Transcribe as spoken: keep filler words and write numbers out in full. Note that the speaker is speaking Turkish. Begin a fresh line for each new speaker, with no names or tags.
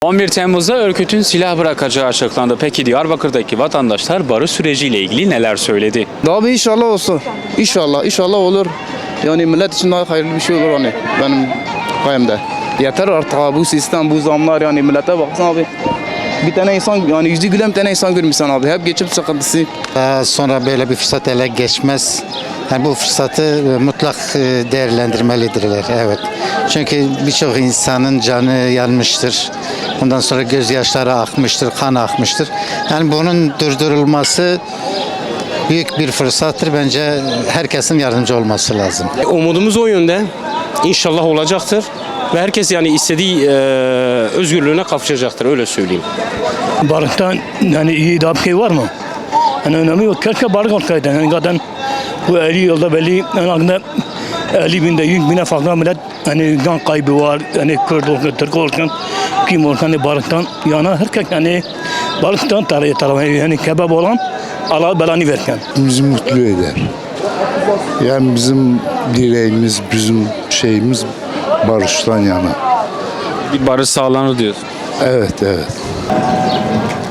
on bir Temmuz'da örgütün silah bırakacağı açıklandı. Peki Diyarbakır'daki vatandaşlar barış süreciyle ilgili neler söyledi?
Daha bir inşallah olsun. İnşallah, inşallah olur. Yani millet için daha hayırlı bir şey olur hani benim kayımda. Yeter artık abi bu sistem, bu zamlar yani millete baksana abi. Bir tane insan yani yüzü gülen bir tane insan görmüşsün abi. Hep geçim sıkıntısı.
Daha sonra böyle bir fırsat ele geçmez. Yani bu fırsatı mutlak değerlendirmelidirler. Evet. Çünkü birçok insanın canı yanmıştır. Ondan sonra gözyaşları akmıştır, kan akmıştır. Yani bunun durdurulması büyük bir fırsattır. Bence herkesin yardımcı olması lazım.
Umudumuz o yönde. İnşallah olacaktır. Ve herkes yani istediği e, özgürlüğüne kavuşacaktır, öyle söyleyeyim.
Barıktan yani iyi daha bir şey var mı? Yani önemli yok. Keşke barık olsaydı. Yani zaten bu elli yılda belli yani elli binde yüz bine fazla millet hani can kaybı var. Yani Kürt olsun, Türk olsun, kim olsun hani barıktan yana herkes yani barıktan tarafı tarafı yani kebap olan Allah belanı verken.
Bizi mutlu eder. Yani bizim dileğimiz, bizim şeyimiz barıştan yana.
Bir barış sağlanır diyorsun.
Evet, evet.